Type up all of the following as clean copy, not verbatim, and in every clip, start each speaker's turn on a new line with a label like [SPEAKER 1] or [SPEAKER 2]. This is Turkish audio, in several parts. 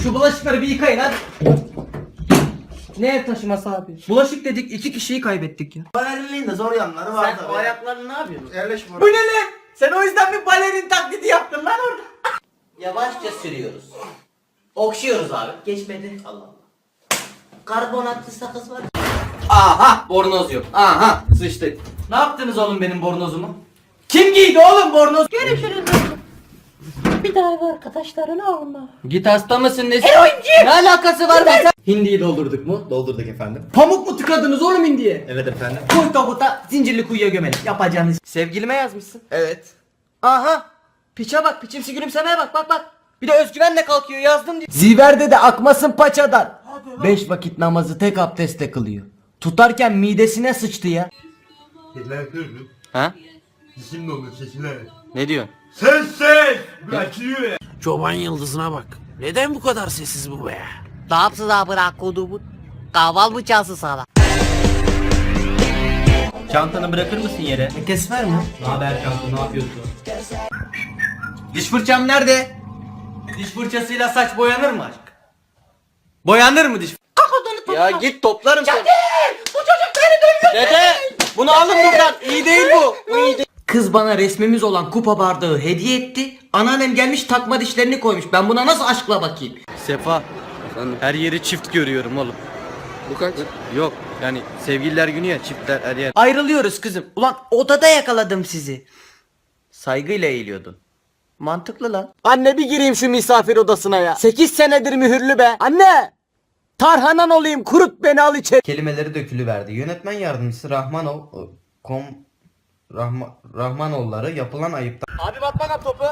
[SPEAKER 1] Şu bulaşıkları bir yıkayın hadi. Ne ev taşıması abi? Bulaşık dedik 2 kişiyi kaybettik ya.
[SPEAKER 2] Balerinin de zor yanları var
[SPEAKER 1] Sen
[SPEAKER 2] tabii.
[SPEAKER 1] o ayaklarını ne yapıyorsun?
[SPEAKER 2] Yerleş
[SPEAKER 1] Bu ne lan? Sen o yüzden bir balerin taklidi yaptın lan orada.
[SPEAKER 3] Yavaşça sürüyoruz. Okşuyoruz abi. Geçmedi. Allah Allah. Karbonatlı sakız var.
[SPEAKER 1] Aha bornoz yok. Aha sıçtık. Ne yaptınız oğlum benim bornozumu? Kim giydi oğlum bornoz?
[SPEAKER 4] Görüşürüz. Bir daha ev arkadaşlarını alma.
[SPEAKER 1] Git hasta mısın nesin? Eroinci! Ne alakası var be? Hindiyi doldurduk mu?
[SPEAKER 2] Doldurduk efendim.
[SPEAKER 1] Pamuk mu tıkadınız oğlum hindiye?
[SPEAKER 2] Evet efendim.
[SPEAKER 1] Koy tabuta zincirli kuyuya gömelim. Yapacağınız. Sevgilime yazmışsın.
[SPEAKER 2] Evet.
[SPEAKER 1] Aha. Piçe bak, piçimsi gülümsemeye bak, bak bak. Bir de özgüvenle kalkıyor yazdım diyor. Ziverde de akmasın paçadan. 5 vakit namazı tek abdestle kılıyor. Tutarken midesine sıçtı ya. Ha?
[SPEAKER 5] Şimdi olur sesler.
[SPEAKER 1] Ne diyorsun?
[SPEAKER 5] Ses! Açılıyor. Çoban yıldızına bak. Neden bu kadar sessiz bu be?
[SPEAKER 3] Ne yapsın abi bırak kodumu? Kahval mı çalsın sana?
[SPEAKER 1] Çantanı bırakır mısın yere?
[SPEAKER 2] Kes ver mi?
[SPEAKER 1] Ne haber kanka, ne yapıyorsun? Diş fırçam nerede? Diş fırçasıyla saç boyanır mı aşk? Boyanır mı diş? Ya git toplarım seni. Bu çocuk beni dövüyor. Dede bunu alın buradan. İyi değil bu. Bu iyi değil. Kız bana resmimiz olan kupa bardağı hediye etti. Anneannem gelmiş takma dişlerini koymuş. Ben buna nasıl aşkla bakayım? Sefa. Her yeri çift görüyorum oğlum.
[SPEAKER 2] Bu kaç?
[SPEAKER 1] Yok yani sevgililer günü ya, çiftler her yer. Ayrılıyoruz kızım. Ulan odada yakaladım sizi. Saygıyla eğiliyordun. Mantıklı lan. Anne bir gireyim şu misafir odasına ya. 8 senedir mühürlü be. Anne! Tarhanan olayım, kurut beni, al içeri. Kelimeleri dökülüverdi. Yönetmen yardımcısı Rahmanoğulları yapılan ayıptan. Abi bak bana topu.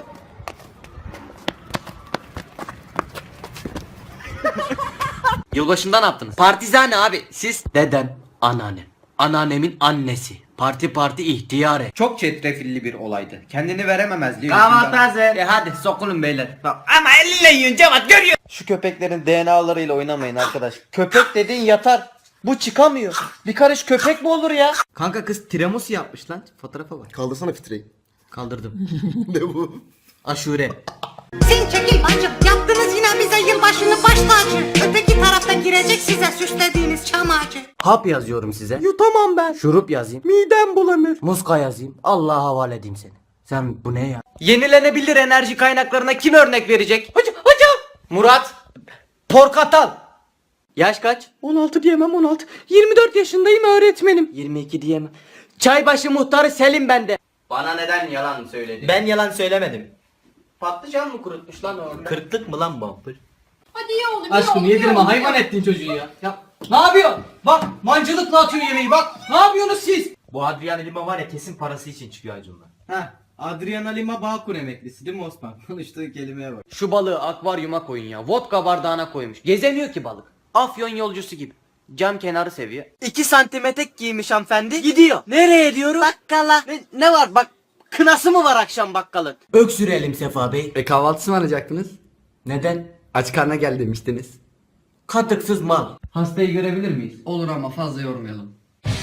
[SPEAKER 1] Yılbaşında ne yaptınız? Partizane abi. Siz? Dedem, anneannem. Anneannemin annesi. Parti ihtiyare. Çok çetrefilli bir olaydı. Kendini verememezliği.
[SPEAKER 2] Kahvaltı hazır.
[SPEAKER 1] Hadi sokulun beyler. Bak, ama elle yiyin Cevat, görüyor. Şu köpeklerin DNA'larıyla oynamayın arkadaş. Köpek dediğin yatar. Bu çıkamıyor. Bir karış köpek mi olur ya? Kanka kız tiramisu yapmış lan. Fotoğrafa bak.
[SPEAKER 2] Kaldırsana fitreyi.
[SPEAKER 1] Kaldırdım.
[SPEAKER 2] Ne bu?
[SPEAKER 1] Aşure.
[SPEAKER 4] Sen çekil bacım. Yaptınız yine bize yılbaşını baş tacı. Öteki tarafta girecek size süslediğiniz çam ağacı.
[SPEAKER 1] Hap yazıyorum size. Yutamam ben. Şurup yazayım. Midem bulanır. Muska yazayım. Allah'a havale edeyim seni. Sen bu ne ya? Yenilenebilir enerji kaynaklarına kim örnek verecek? Hocam. Murat. Porkatal. Yaş kaç? 16 diyemem 16. 24 yaşındayım öğretmenim. 22 diyemem. Çaybaşı muhtarı Selim bende. Bana neden yalan söyledin?
[SPEAKER 2] Ben yalan söylemedim.
[SPEAKER 1] Patlıcan mı kurutmuş lan orada?
[SPEAKER 2] Kırklık mı lan bu?
[SPEAKER 4] Hadi ye oğlum.
[SPEAKER 1] Aşkım yedirme, hayvan ettin çocuğu ya. Ne yapıyorsun? Bak mancılıkla atıyor yemeği bak. Ne yapıyorsunuz siz?
[SPEAKER 2] Bu Adrian Lima var ya kesin parası için çıkıyor Acun'la.
[SPEAKER 1] Ha, Adriana Lima Bağkur emeklisi değil mi Osman? Konuştuğu kelimeye bak. Şu balığı akvaryuma koyun ya. Vodka bardağına koymuş. Gezemiyor ki balık. Afyon yolcusu gibi. Cam kenarı seviyor. 2 santim etek giymiş hanımefendi. Gidiyor. Nereye diyorum? Bakkala. Ne var bak? Kınası mı var akşam bakkalın? Öksürelim Sefa Bey.
[SPEAKER 6] Kahvaltısı mı alacaktınız?
[SPEAKER 1] Neden?
[SPEAKER 6] Aç karna gel demiştiniz.
[SPEAKER 1] Katıksız mal. Hastayı görebilir miyiz?
[SPEAKER 6] Olur ama fazla yormayalım.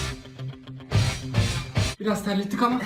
[SPEAKER 6] Biraz terlettik ama.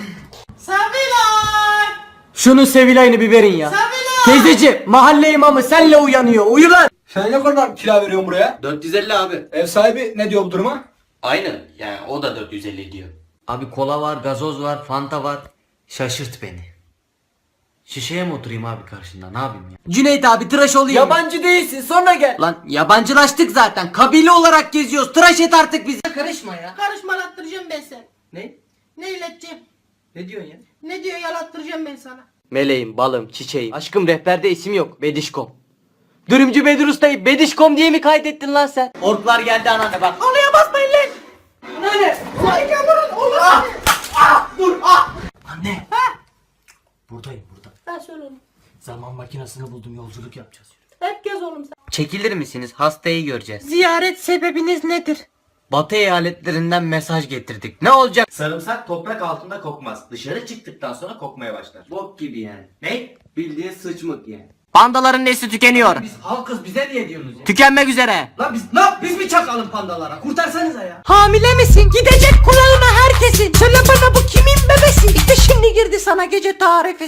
[SPEAKER 1] Şunun Sevilay'ını bir verin ya. Teyzeci, mahalle imamı senle uyanıyor. Uyu lan.
[SPEAKER 7] Sen ne kadar kira veriyorsun buraya?
[SPEAKER 1] 450 abi.
[SPEAKER 7] Ev sahibi ne diyor bu duruma?
[SPEAKER 1] Aynı. Yani o da 450 diyor. Abi kola var, gazoz var, fanta var. Şaşırt beni. Şişeye mi oturayım abi karşında, ne yapayım ya? Cüneyt abi tıraş olayım. Yabancı değilsin, sonra gel. Lan yabancılaştık zaten. Kabile olarak geziyoruz. Tıraş et artık bizi. Karışma ya.
[SPEAKER 4] Karışmalattıracağım ben seni.
[SPEAKER 1] Ne?
[SPEAKER 4] Ne ileteceğim?
[SPEAKER 1] Ne diyorsun ya?
[SPEAKER 4] Ne diyor yalattıracağım ben sana.
[SPEAKER 1] Meleğim, balım, çiçeğim. Aşkım rehberde isim yok. Bedişkom. Dürümcü Bedir Usta'yı Bedişkom diye mi kaydettin lan sen? Orklar geldi anneanne bak.
[SPEAKER 4] Halıya basmayın lan.
[SPEAKER 1] Anneanne.
[SPEAKER 4] Vay yavrum olur.
[SPEAKER 1] Dur Anne. Buradayım burada.
[SPEAKER 4] Ben söyle oğlum.
[SPEAKER 1] Zaman makinesini buldum, yolculuk yapacağız.
[SPEAKER 4] Hep gez oğlum sen.
[SPEAKER 1] Çekilir misiniz? Hastayı göreceğiz.
[SPEAKER 4] Ziyaret sebebiniz nedir?
[SPEAKER 1] Batı eyaletlerinden mesaj getirdik. Ne olacak?
[SPEAKER 2] Sarımsak toprak altında kokmaz. Dışarı çıktıktan sonra kokmaya başlar.
[SPEAKER 1] Bok gibi yani.
[SPEAKER 2] Ne?
[SPEAKER 1] Bildiğin sıçmık yani.
[SPEAKER 3] Pandaların nesli tükeniyor.
[SPEAKER 1] Biz halkız, bize niye diyorsunuz ya?
[SPEAKER 3] Tükenmek üzere.
[SPEAKER 1] Lan biz mi çakalım pandalara? Kurtarsanıza ya.
[SPEAKER 4] Hamile misin? Gidecek kulağına herkesin. Söyle bana bu kimin bebesi? İşte şimdi girdi sana gece tarifesi.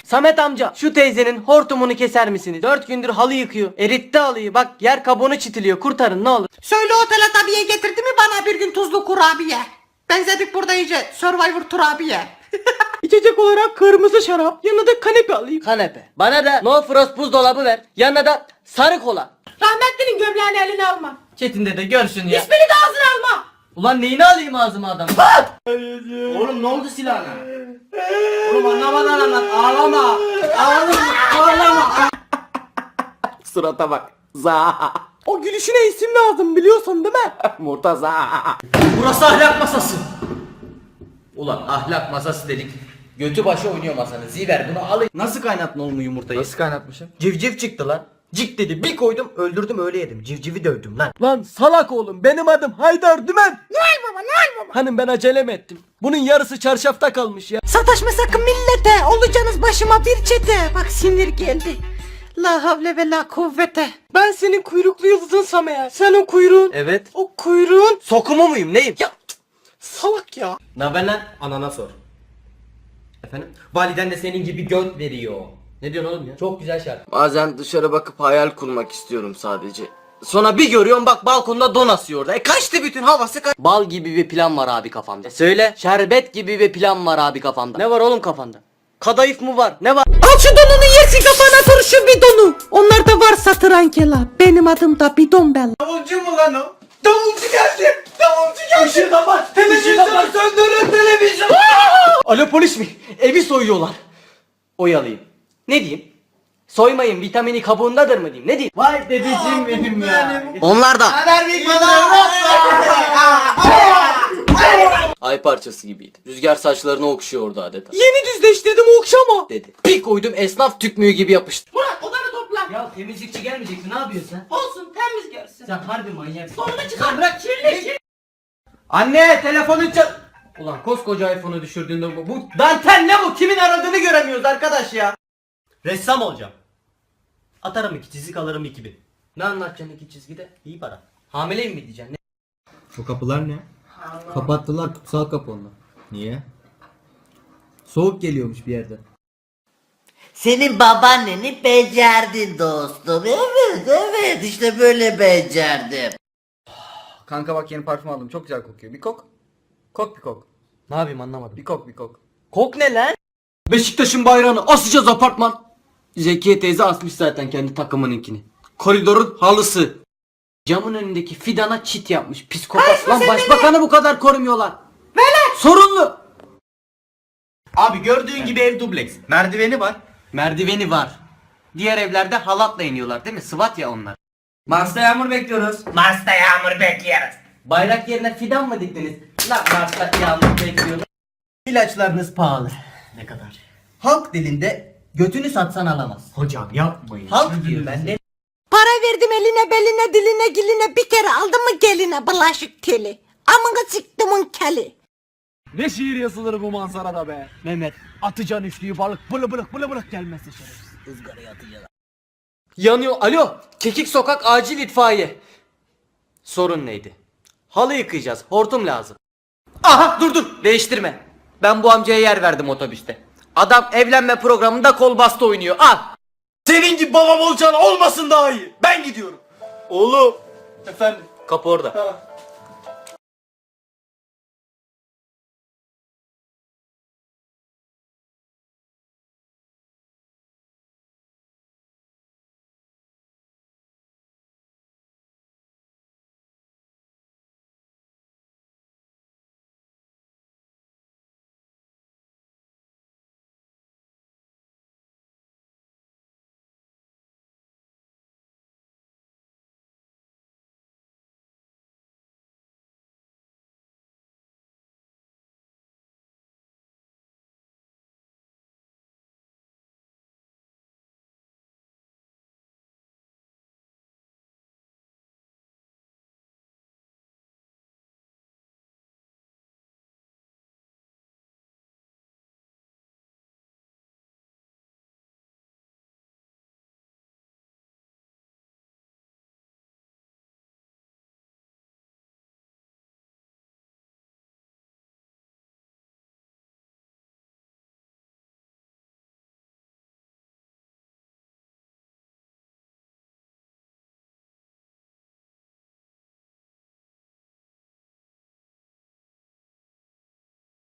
[SPEAKER 1] Samet amca şu teyzenin hortumunu keser misiniz? 4 gündür halı yıkıyor. Eritti halıyı. Bak yer kabuğunu çitiliyor. Kurtarın ne olur.
[SPEAKER 4] Söyle otele tabiye getirdi mi bana bir gün tuzlu kurabiye? Benzedik burada iyice Survivor turabiye.
[SPEAKER 1] İçecek olarak kırmızı şarap. Yanına da kanepe alayım. Kanepe. Bana da no frost buzdolabı ver. Yanına da sarı kola.
[SPEAKER 4] Rahmetlinin gömleğini eline alma.
[SPEAKER 1] Çetin dede görsün ya.
[SPEAKER 4] İsmini de ağzına alma.
[SPEAKER 1] Ulan neyini alayım ağzıma adam?
[SPEAKER 2] Oğlum ne oldu silahına?
[SPEAKER 1] Oğlum anlamadan anlat. Ağlama. Ağlama.
[SPEAKER 5] Surata bak. Za.
[SPEAKER 1] O gülüşüne isim lazım biliyorsun değil mi?
[SPEAKER 5] Murtaza.
[SPEAKER 1] Burası ahlak masası. Ulan ahlak masası dedik. Götü başı oynuyor masanın. Ziver bunu alın. Nasıl kaynattın oğlum yumurtayı?
[SPEAKER 7] Nasıl kaynatmışım?
[SPEAKER 1] Civciv çıktı lan. Cik dedi bir koydum öldürdüm öyle yedim. Civcivi dövdüm lan. Lan salak oğlum benim adım Haydar Dümen.
[SPEAKER 4] Noel baba Noel baba.
[SPEAKER 1] Hanım ben acelem ettim. Bunun yarısı çarşafta kalmış ya.
[SPEAKER 4] Sataşma sakın millete. Olacaksınız başıma bir çete. Bak sinir geldi. La havle ve la kuvvete.
[SPEAKER 1] Ben senin kuyruklu yıldızınsam eğer. Sen o kuyruğun. Evet. O kuyruğun. Sokumu muyum neyim? Ya salak ya. Ne haber lan? Anana sor. Efendim? Validen de senin gibi göt veriyor. Ne diyorsun oğlum ya? Çok güzel şarkı.
[SPEAKER 5] Bazen dışarı bakıp hayal kurmak istiyorum sadece.
[SPEAKER 1] Sonra bir görüyorum bak balkonda don asıyor orada. Kaçtı bütün havası Bal gibi bir plan var abi kafamda. Söyle. Şerbet gibi bir plan var abi kafamda. Ne var oğlum kafanda? Kadayıf mı var? Ne var?
[SPEAKER 4] Al şu donunu yersin kafana turşu bidonu. Onlarda var satır ankela. Benim adım da bidon bella.
[SPEAKER 1] Davulcu mu lan o? Davulcu geldi. Davulcu geldi. Işığı kapat. Televizyonu söndürün televizyon. Alo polis mi? Evi soyuyorlar. Oyalayayım. Ne diyeyim? Soymayın vitamini kabuğundadır mı diyeyim? Ne diyeyim? Vay dedeciğim benim ya.
[SPEAKER 3] Onlar da.
[SPEAKER 5] Ay parçası gibiydi. Rüzgar saçlarını okşuyordu adeta.
[SPEAKER 1] Yeni düzleştirdim okşama.
[SPEAKER 5] Dedi. Bir koydum esnaf tükmüğü gibi yapıştı.
[SPEAKER 4] Murat odanı topla.
[SPEAKER 1] Ya temizlikçi gelmeyecekti ne yapıyorsun sen?
[SPEAKER 4] Olsun temiz görsün.
[SPEAKER 1] Sen harbi manyaksın.
[SPEAKER 4] Sonunu çıkar bırak kirli.
[SPEAKER 1] Anne telefonun çal... Ulan koskoca iPhone'u düşürdüğünde bu dantel ne bu? Kimin aradığını göremiyoruz arkadaş ya. Ressam olacağım. Atarım 2 çizik alırım 2000. Ne anlatacaksın 2 çizgide? İyi para. Hamileyim mi diyeceksin? Ne?
[SPEAKER 8] O kapılar ne? Kapattılar kutsal kapı onlar. Niye? Soğuk geliyormuş bir yerden.
[SPEAKER 3] Senin babaanneni becerdin dostum. Evet işte böyle becerdim.
[SPEAKER 6] Kanka bak yeni parfüm aldım. Çok güzel kokuyor. Bir kok. Kok bir kok.
[SPEAKER 1] Ne yapayım anlamadım.
[SPEAKER 6] Bir kok bir kok.
[SPEAKER 1] Kok ne lan?
[SPEAKER 5] Beşiktaş'ın bayrağını asacağız apartman. Zekiye teyze asmış zaten kendi takımınınkini. Koridorun halısı. Camın önündeki fidana çit yapmış. Psikopat. Lan başbakanı bu kadar korumuyorlar. Sorunlu.
[SPEAKER 2] Abi gördüğün gibi ev dubleks. Merdiveni var.
[SPEAKER 1] Merdiveni var. Diğer evlerde halatla iniyorlar değil mi? Sıvat ya onlar.
[SPEAKER 2] Mars'ta yağmur bekliyoruz.
[SPEAKER 1] Bayrak yerine fidan mı diktiniz? Lan Mars'ta yağmur bekliyorum. İlaçlarınız pahalı. Ne kadar? Halk dilinde götünü satsan alamaz.
[SPEAKER 2] Hocam yapmayın.
[SPEAKER 1] Halk diyor ben de.
[SPEAKER 4] Para verdim eline beline diline giline bir kere aldım mı geline bulaşık teli. Amına çıktımın keli.
[SPEAKER 5] Ne şiir yazılır bu manzarada be.
[SPEAKER 1] Mehmet.
[SPEAKER 5] Atacan üçlüyü balık bılı bılık gelmezse şerefsiz.
[SPEAKER 1] Yanıyor. Alo. Kekik sokak acil itfaiye. Sorun neydi? Halı yıkayacağız. Hortum lazım. Aha dur. Değiştirme. Ben bu amcaya yer verdim otobüste. Adam evlenme programında kol bastı oynuyor. Al. Senin gibi babam olacağın olmasın daha iyi. Ben gidiyorum. Oğlum. Efendim. Kapı orada.